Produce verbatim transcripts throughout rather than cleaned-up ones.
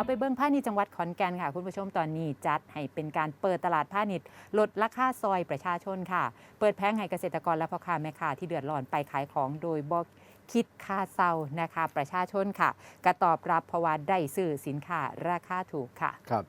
เอาไปเบิ้งพาณิชย์จังหวัดขอนแก่นค่ะคุณผู้ชมตอนนี้จัดให้เป็นการเปิดตลาดพาณิชย์ลดราคาซอยประชาชนค่ะเปิดแผงให้เกษตรกรและพ่อค้าแม่ค้าที่เดือดร้อนไปขายของโดยบ่คิดค่าเซานะคะประชาชนค่ะกระตอบรับเพราะว่าได้ซื้อสินค้าราคาถูกค่ะครับ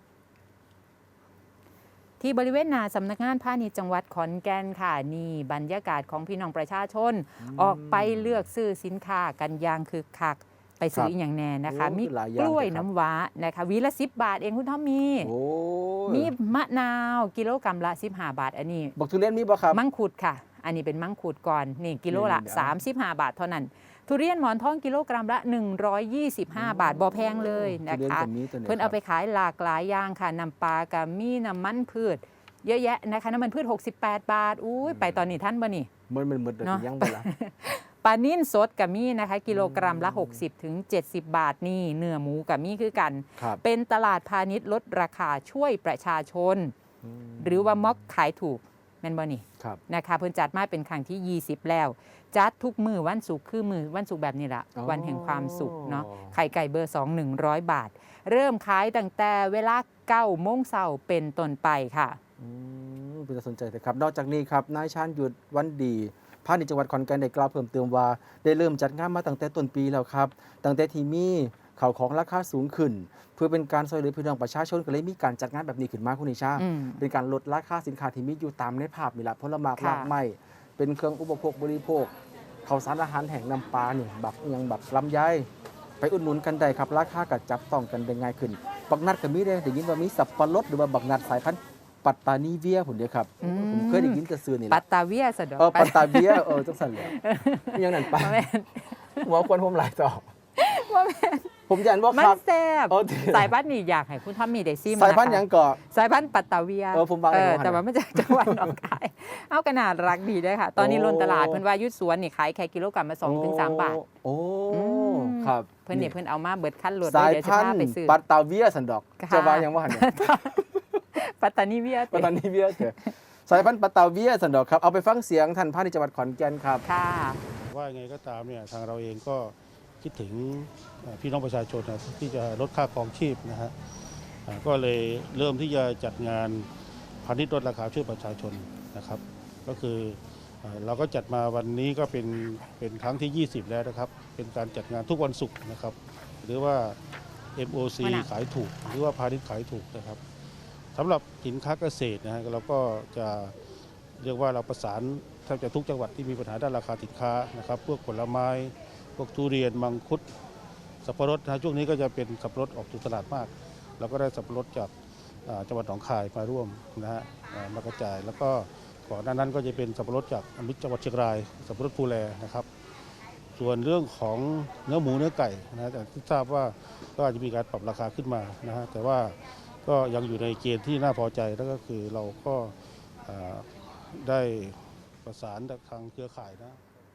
ที่บริเวณหน้าสำนักงานพาณิชย์จังหวัดขอนแก่นค่ะนี่บรรยากาศของพี่น้องประชาชนออกไปเลือกซื้อสินค้ากันอย่างคึกคักไปซื้ออีกอย่างแน่นะคะมีกล้วยน้ำว้านะคะวีละสิบบาทเองคุณท่อมมีมีมะนาวกิโลกรัมละสิบห้าบาทอันนี้บอกทุเรียนมีบ่ครับมังคุดค่ะอันนี้เป็นมังคุดก่อนนี่กิโลละสามสิบห้าบาทเท่านั้นทุเรียนหมอนทองกิโลกรัมละหนึ่งร้อยยี่สิบห้าบาทบ่แพงเลยนะคะเพิ่นเอาไปขายหลากหลายอย่างค่ะน้ำปลากับมีน้ำมันพืชเยอะแยะนะคะน้ำมันพืชหกสิบแปดบาทอุ้ยไปตอนนี้ท่านบ่นี่มันมันมันยังบ่ล่ะปลานิ่นสดกับมีนะคะกิโลกรัมละหกสิบถึงเจ็ดสิบบาทนี่เนื้อหมูกับมีคือกันเป็นตลาดพาณิชย์ลดราคาช่วยประชาชนหรือว่าม็อกขายถูกแม่นบ่นี่นะคะเพิ่นจัดมาเป็นครั้งที่ยี่สิบแล้วจัดทุกมือวันศุกร์คือมือวันศุกร์แบบนี้ละวันแห่งความสุขเนาะไข่ไก่เบอร์สองหนึ่งร้อยบาทเริ่มขายตั้งแต่เวลาเก้าโมงเช้าเป็นต้นไปค่ะเป็นสนใจแต่ครับนอกจากนี้ครับนายชาญหยุดวันดีพาณิชย์จังหวัดขอนแก่นได้กล่าวเพิ่มเติมว่าได้เริ่มจัดงานมาตั้งแต่ต้นปีแล้วครับตั้งแต่ที่มีข่าวของราคาสูงขึ้นเพื่อเป็นการช่วยเหลือพี่น้องประชาชนก็เลยมีการจัดงานแบบนี้ขึ้นมาคุณนิชาเป็นการลดราคาสินค้าที่มีอยู่ตามในภาพนี่แหละผลไม้รากไม้เป็นเครื่องอุปโภคบริโภคข้าวสารอาหารแห้งน้ำปลาเนี่ยแบบยังแบบลำไยไปอุดหนุนกันได้ครับราคาก็จับต้องกันได้ง่ายขึ้นบักนัดก็มีได้ได้ยินว่ามีสับปะรดหรือว่าบักนัดสายพันธุ์ปัตตานีเวียผมเดียวครับผมเคยได้ยินแต่ซื้อนี่แหละปัตตาเวียสะดอกเออปัตตาเวียเออจังสันเลยยังนั่นไปหัวควนผมหลายต่อผมยันว่ามันแซ่บสายพันธุ์นี่อยากให้คุณทอมมีได้ซิมสายพันธุ์ยังก่อสายพันธุ์ปัตตาเวียเออผมบางแต่ว่าไม่จากจังหวัดหนองคายเอาขนาดรักดีด้วยค่ะตอนนี้ล้นตลาดเพิ่นว่ายุดสวนนี่ขายแค่กิโลกรัมละสองถึงสามบาทโอ้ครับเพิ่นเนี่ยเพิ่นเอามาเบิดขั้นรถสายพันธุ์ปัตตาเวียสันดอกจะว่ายังว่าเนี่ยปัตตานีเวียปัตตานีเวียเถอะสายพันธุ์ปัตตาเวียสันดอกครับเอาไปฟังเสียงท่านพาณิชย์จังหวัดขอนแก่นครับค่ะว่าไงก็ตามเนี่ยทางเราเองก็คิดถึงพี่น้องประชาชนนะที่จะลดค่าครองชีพนะฮะก็เลยเริ่มที่จะจัดงานพาณิชย์ลดราคาช่วยประชาชนนะครับก็คือเราก็จัดมาวันนี้ก็เป็นเป็นครั้งที่ยี่สิบแล้วนะครับเป็นการจัดงานทุกวันศุกร์นะครับหรือว่า เอ็ม โอ ซี ขายถูกหรือว่าพาณิชย์ขายถูกนะครับสำหรับสินค้าเกษตรนะฮะเราก็จะเรียกว่าเราประสานแทบจะทุกจังหวัดที่มีปัญหาด้านราคาสินค้านะครับพวกผลไม้พวกทุเรียนมังคุดสับปะรดนะช่วงนี้ก็จะเป็นสับปะรดออกสู่ตลาดมากเราก็ได้สับปะรดจากจังหวัดหนองคายมาร่วมนะฮะมากระจายแล้วก็ก่อนหน้านั้นก็จะเป็นสับปะรดจากมิตรจังหวัดเชียงรายสับปะรดภูแลนะครับส่วนเรื่องของเนื้อหมูเนื้อไก่นะแต่ที่ทราบว่าก็อาจจะมีการปรับราคาขึ้นมานะฮะแต่ว่าก็ยังอยู่ในเกณฑ์ที่น่าพอใจแล้วก็คือเราก็ได้ประสานทางเครือข่ายนะ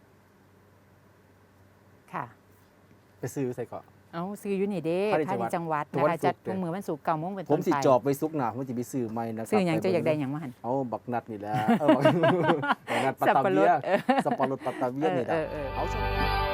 ค่ะไปซื้อใส่ก่อนเอาซื้ออยู่นี่เด้พาณิชย์จังหวัดนะคะจัดทุกมือวันศุกร์เก้าโมงเป็นต้นไปผมสิจอบไปซุกหนาผมจะไปซื้อไม่นะครับซื้อยังจะอยากได้ยังมาหันเอาบักนัดนี่แหละบักนัดปัตตาเวียสับปะรดปัตตาเวียนี่แหละเอาชม